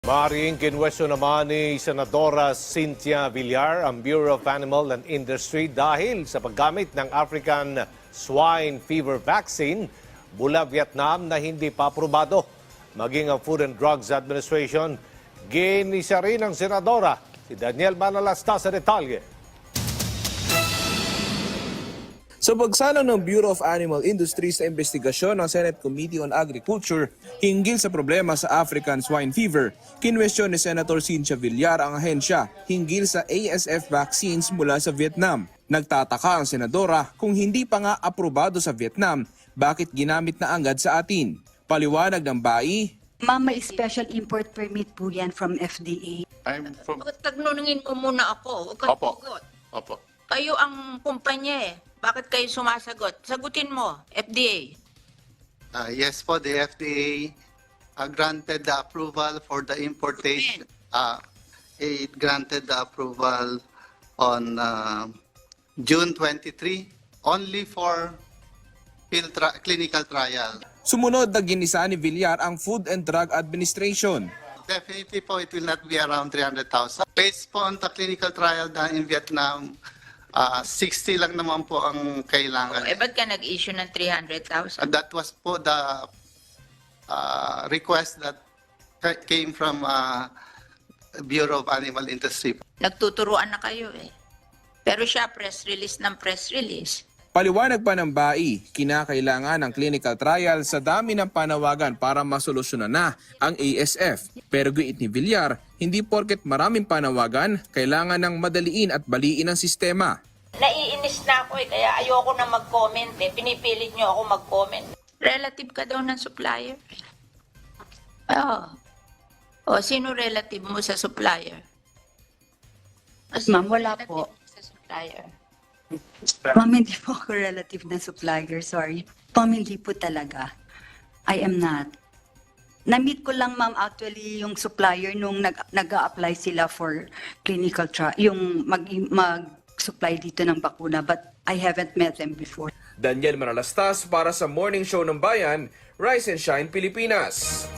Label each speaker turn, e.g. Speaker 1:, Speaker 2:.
Speaker 1: Maring kinwestiyon naman ni Senadora Cynthia Villar ang Bureau of Animal and Industry dahil sa paggamit ng African Swine Fever Vaccine mula Vietnam na hindi pa aprobado. Maging ang Food and Drugs Administration, ginisa rin ng Senadora. Si Daniel Manalasta sa detalye.
Speaker 2: Sa pagsalang ng Bureau of Animal Industry sa investigasyon ng Senate Committee on Agriculture hinggil sa problema sa African Swine Fever, kinwestiyon ni Senator Cynthia Villar ang ahensya hinggil sa ASF vaccines mula sa Vietnam. Nagtataka ang senadora kung hindi pa nga aprobado sa Vietnam, bakit ginamit na agad sa atin. Paliwanag ng BAI,
Speaker 3: Ma'am, may special import permit po yan from FDA.
Speaker 4: I'm from...
Speaker 5: Tagnunungin mo muna ako. Huwag kang
Speaker 4: Opo.
Speaker 5: sagot.
Speaker 4: Opo.
Speaker 5: Kayo ang kumpanya eh. Bakit kayo sumasagot? Sagutin mo, FDA.
Speaker 6: Yes po, the FDA granted the approval for the importation. It granted the approval on June 23 only for clinical trial.
Speaker 2: sumunod na ginisa ni Villar ang Food and Drug Administration.
Speaker 6: Definitely po, it will not be around 300,000. Based po on the clinical trial done in Vietnam, 60 lang naman po ang kailangan.
Speaker 5: Ba't ka nag-issue ng 300,000?
Speaker 6: That was po the request that came from Bureau of Animal Industry.
Speaker 5: Nagtuturuan na kayo eh. Pero siya, press release ng press release.
Speaker 2: Paliwanag pa ng BAI, kinakailangan ng clinical trial sa dami ng panawagan para masolusyonan na ang ASF. Pero giit ni Villar, hindi porket maraming panawagan, kailangan ng madaliin at baliin ang sistema.
Speaker 5: Naiinis na ako eh, kaya ayoko na mag-comment eh. Pinipilit niyo ako mag-comment. Relative ka daw ng supplier. Oh. Sino relative mo sa supplier?
Speaker 3: Ma'am, wala po.
Speaker 5: Sa supplier.
Speaker 3: Ma'am, hindi po ako relative na supplier, sorry. Ma'am, hindi po talaga. I am not. Na-meet ko lang, ma'am, actually, yung supplier nung nag-a-apply sila for clinical trial, yung mag-supply dito ng bakuna, but I haven't met them before.
Speaker 2: Daniel Manalastas para sa Morning Show ng Bayan, Rise and Shine Pilipinas.